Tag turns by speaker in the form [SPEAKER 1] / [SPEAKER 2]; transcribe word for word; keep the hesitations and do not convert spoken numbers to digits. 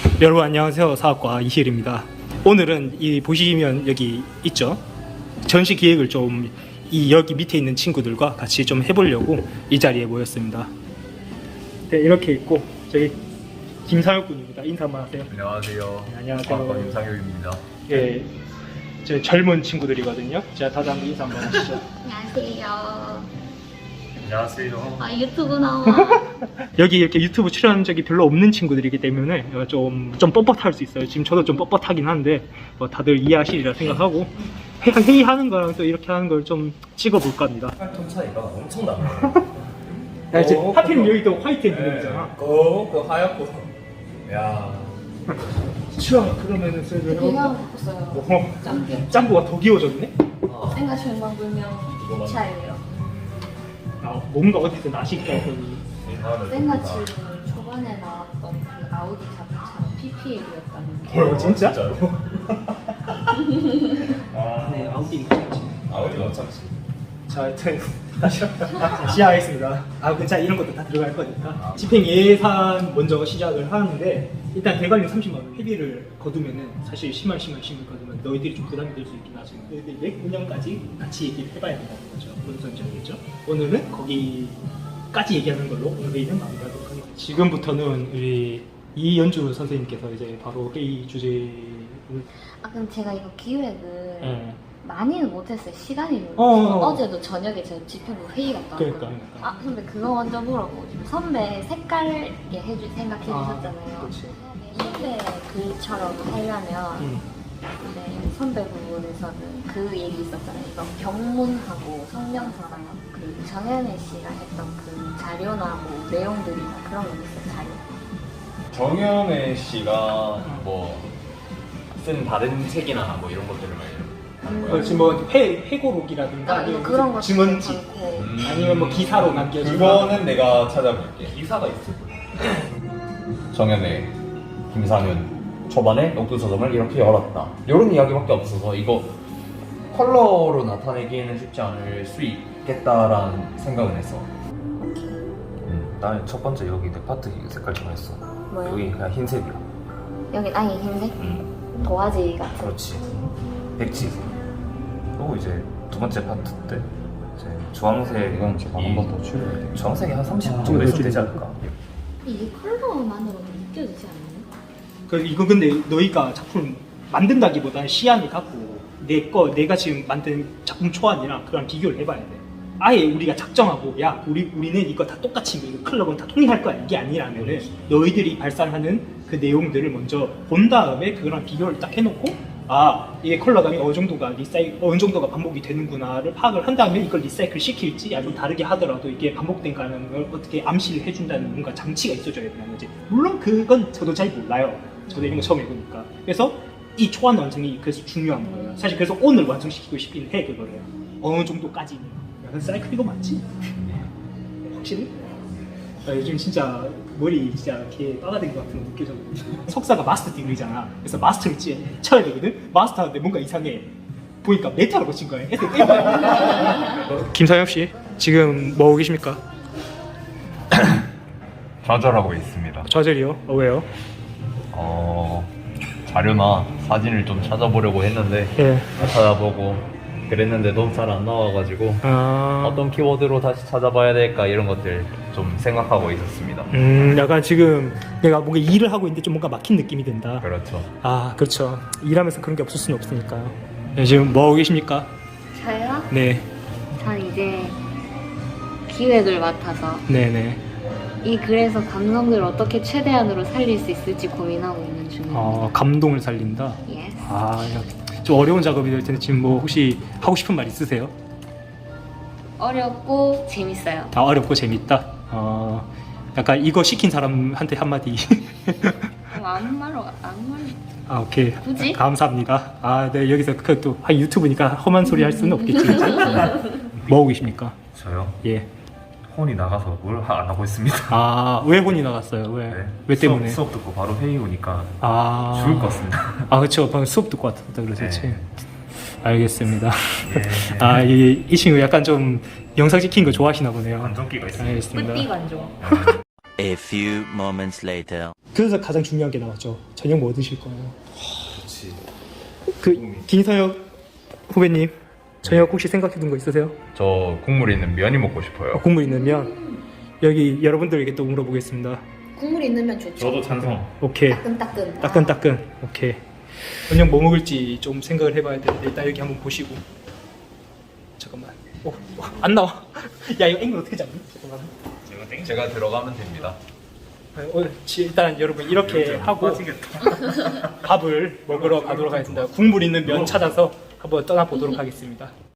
[SPEAKER 1] 여러분 안녕하세요. 사학과 이희일입니다. 오늘은 이 보시면 여기 있죠. 전시 기획을 좀 이 여기 밑에 있는 친구들과 같이 좀 해보려고 이 자리에 모였습니다. 네, 이렇게 있고 저기 김상혁 군입니다. 인사 한번 하세요.
[SPEAKER 2] 안녕하세요.
[SPEAKER 1] 네, 안녕하세요.
[SPEAKER 2] 사학과 김상혁입니다.
[SPEAKER 1] 예, 저 젊은 친구들이거든요. 자, 다들 한번 인사 한번 하시죠.
[SPEAKER 3] 안녕하세요.
[SPEAKER 2] 안녕하세요.
[SPEAKER 3] 아 유튜브 나와.
[SPEAKER 1] 여기 이렇게 유튜브 출연 적이 별로 없는 친구들이기 때문에 좀, 좀 뻣뻣할 수 있어요. 지금 저도 좀 뻣뻣하긴 한데 뭐 다들 이해하시리라 생각하고 회- 회의하는 거랑 또 이렇게 하는 걸 좀 찍어볼까 합니다.
[SPEAKER 2] 톤 차이가 엄청 나네요.
[SPEAKER 1] 야, 이제
[SPEAKER 2] 어,
[SPEAKER 1] 하필
[SPEAKER 2] 그거-
[SPEAKER 1] 여기도 화이트 엠블렘이잖아.
[SPEAKER 2] 어, 그 하얗고. 야.
[SPEAKER 1] 추워. 그러면은 쟤를
[SPEAKER 3] 배경 바꿨어요.
[SPEAKER 1] 어,
[SPEAKER 3] 짱게.
[SPEAKER 1] 짱구가 더 귀여워졌네?
[SPEAKER 3] 생각 절망 불명 차예요.
[SPEAKER 1] 아, 뭔가 어디서 나실까 했더니
[SPEAKER 3] 생가치를 초반에 나왔던 그 아우디 자동차는 피피엘이었다는 게.
[SPEAKER 1] 어, 진짜?
[SPEAKER 2] 진짜로? 아,
[SPEAKER 1] 네, 아우디는 괜찮지.
[SPEAKER 2] 아우디 어차피.
[SPEAKER 1] 자, 하여튼 다시 시작하겠습니다. 아, 그 자 이런 것도 다 들어갈 거니까 집행 예산 먼저 시작을 하는데 일단 대관료 삼십만 원 회비를 거두면은 사실 십만 원, 십만 원, 십만 원 거두면 너희들이 좀 부담이 될 수 있긴 하지만 너희들이 내 운영까지 같이 얘기를 해봐야 된다는 거죠. 본선적이겠죠. 오늘은 거기까지 얘기하는 걸로 오늘 회의는 마무리하도록 하겠습니다. 지금부터는 우리 이연주 선생님께서 이제 바로 회의 주제를
[SPEAKER 3] 아 그럼 제가 이거 기획을
[SPEAKER 1] 예.
[SPEAKER 3] 많이는 못했어요. 시간이
[SPEAKER 1] 어, 어, 어.
[SPEAKER 3] 어제도 저녁에 제가 집행부 회의가
[SPEAKER 1] 그러니까,
[SPEAKER 3] 나왔거든요.
[SPEAKER 1] 그러니까.
[SPEAKER 3] 아 선배 그거 먼저 물어보고 싶어요. 선배 색깔게 해줄 생각해 주셨잖아요.
[SPEAKER 1] 그렇지.
[SPEAKER 3] 선배 글처럼 하려면
[SPEAKER 1] 음.
[SPEAKER 3] 네, 선배 부분에서는 그 얘기 있었잖아요. 이거 경문하고 성명서랑 그 정현애 씨가 했던 그 자료나 뭐 내용들이나 그런 거 있어요. 자료.
[SPEAKER 2] 정현애 씨가 뭐 쓴 다른 책이나 뭐 이런 것들을 많이 하는 거예요.
[SPEAKER 1] 그렇지 뭐 회, 회고록이라든가
[SPEAKER 3] 아,
[SPEAKER 1] 아니면
[SPEAKER 3] 그런 거
[SPEAKER 1] 증언지
[SPEAKER 3] 많고.
[SPEAKER 2] 음.
[SPEAKER 1] 아니면 뭐 기사로 남겨진
[SPEAKER 2] 그거는 내가 찾아볼게. 기사가 있을 거야. 정현애, 김상윤 초반에 녹두 서점을 이렇게 열었다. 이런 이야기밖에 없어서 이거 컬러로 나타내기에는 쉽지 않을 수 있겠다라는 생각은 했어. 음, 나는 첫 번째 여기 내 파트 색깔 정했어.
[SPEAKER 3] 뭐요?
[SPEAKER 2] 여기 그냥 흰색이야.
[SPEAKER 3] 여기 아예 흰색?
[SPEAKER 2] 음,
[SPEAKER 3] 도화지 같은.
[SPEAKER 2] 그렇지. 백지색. 그리고 이제 두 번째 파트 때 이제 주황색 이건 제가 한 번 더 추려야 돼. 주황색이 한 삼십
[SPEAKER 1] 아,
[SPEAKER 2] 정도 있으면
[SPEAKER 1] 그렇지.
[SPEAKER 2] 되지 않을까?
[SPEAKER 3] 이게 컬러만으로도 느껴지지 않나요?
[SPEAKER 1] 그 이거 근데 너희가 작품 만든다기보다는 시안을 갖고 내 거 내가 지금 만든 작품 초안이랑 그랑 비교를 해봐야 돼. 아예 우리가 작정하고 야 우리 우리는 이거 다 똑같이 이거 클럽은 다 통일할 거야 이게 아니라면은 너희들이 발산하는 그 내용들을 먼저 본 다음에 그거랑 비교를 딱 해놓고 아 이게 컬러감이 어느 정도가 리사이 어느 정도가 반복이 되는구나를 파악을 한 다음에 이걸 리사이클 시킬지 아니면 다르게 하더라도 이게 반복된다는 걸 어떻게 암시를 해준다는 뭔가 장치가 있어줘야 되는 거지. 물론 그건 저도 잘 몰라요. 저도 이런 거 처음 해보니까. 그래서 이 초안 완성이 그래서 중요한 거예요. 사실 그래서 오늘 완성시키고 싶긴 해 그거를. 어느 정도까지는. 야, 사이클 이거 맞지? 확실히? 아, 요즘 진짜 머리 진짜 이렇게 빠가된 것 같은 거 느껴졌거든. 석사가 마스터 디그리잖아. 그래서 마스터를 찌- 쳐야 되거든. 마스터 하는데 뭔가 이상해. 보니까 메타로 고친 거야. 김사엽 씨, 지금 뭐 하고 계십니까?
[SPEAKER 2] 좌절하고 있습니다.
[SPEAKER 1] 좌절이요? 어, 왜요?
[SPEAKER 2] 어, 자료나 사진을 좀 찾아보려고 했는데
[SPEAKER 1] 예.
[SPEAKER 2] 찾아보고 그랬는데도 잘 안 나와가지고
[SPEAKER 1] 아,
[SPEAKER 2] 어떤 키워드로 다시 찾아봐야 될까 이런 것들 좀 생각하고 있었습니다.
[SPEAKER 1] 음, 약간 지금 내가 뭔가 일을 하고 있는데 좀 뭔가 막힌 느낌이 든다.
[SPEAKER 2] 그렇죠.
[SPEAKER 1] 아, 그렇죠. 일하면서 그런 게 없을 수는 없으니까요. 네, 지금 뭐 하고 계십니까?
[SPEAKER 3] 저요?
[SPEAKER 1] 네,
[SPEAKER 3] 전 이제 기획을 맡아서
[SPEAKER 1] 네네.
[SPEAKER 3] 이 글에서 감성들을 어떻게 최대한으로 살릴 수 있을지 고민하고 있는 중입니다.
[SPEAKER 1] 어, 감동을 살린다.
[SPEAKER 3] 예스.
[SPEAKER 1] 아, 좀 어려운 작업이 될 텐데 지금 뭐 혹시 하고 싶은 말 있으세요?
[SPEAKER 3] 어렵고 재밌어요.
[SPEAKER 1] 아, 어렵고 재밌다. 어, 약간 이거 시킨 사람한테 한마디.
[SPEAKER 3] 뭐 아무 말로 아무 말로.
[SPEAKER 1] 아, 오케이.
[SPEAKER 3] 굳이?
[SPEAKER 1] 감사합니다. 아, 네, 여기서 그또 아, 유튜브니까 험한 소리 할 수는 없겠지. 그치? 뭐 하고 계십니까?
[SPEAKER 2] 저요?
[SPEAKER 1] 예.
[SPEAKER 2] 혼이 나가서 뭘 안 하고 있습니다.
[SPEAKER 1] 아, 왜 혼이 나갔어요? 왜?
[SPEAKER 2] 네.
[SPEAKER 1] 왜 때문에?
[SPEAKER 2] 수업, 수업 듣고 바로 회의 오니까
[SPEAKER 1] 아,
[SPEAKER 2] 죽을 것 같습니다.
[SPEAKER 1] 아, 그렇죠. 방금 수업 듣고 왔다 그러셨지.
[SPEAKER 2] 네.
[SPEAKER 1] 알겠습니다.
[SPEAKER 2] 예.
[SPEAKER 1] 아, 이, 이 친구 약간 좀 영상 찍힌 거 좋아하시나 보네요.
[SPEAKER 2] 안정기가 있습니다.
[SPEAKER 1] 알겠습니다.
[SPEAKER 3] 뿌띠 관종.
[SPEAKER 4] A few moments later.
[SPEAKER 1] 그래서 가장 중요한 게 나왔죠. 저녁 뭐 드실 거예요?
[SPEAKER 2] 그렇지.
[SPEAKER 1] 그 김선혁 후배님 저녁 혹시 생각해둔 거 있으세요?
[SPEAKER 2] 저 국물 있는 면이 먹고 싶어요.
[SPEAKER 1] 어, 국물 있는 면. 여기 여러분들에게 또 물어보겠습니다.
[SPEAKER 3] 국물 있는 면 좋죠.
[SPEAKER 4] 저도 찬성.
[SPEAKER 1] 오케이.
[SPEAKER 3] 따끈따끈.
[SPEAKER 1] 따끈따끈. 오케이. 저녁 뭐 먹을지 좀 생각을 해봐야 되는데 일단 여기 한번 보시고. 잠깐만. 오, 오, 안 나와. 야 이거 앵글 어떻게 잡니? 잠깐만.
[SPEAKER 4] 제가 땡.
[SPEAKER 2] 제가 들어가면 됩니다.
[SPEAKER 1] 어, 지- 일단 여러분 이렇게 하고 밥을 먹으러 가도록 하겠습니다. 국물 있는 면 찾아서 한번 떠나보도록 하겠습니다.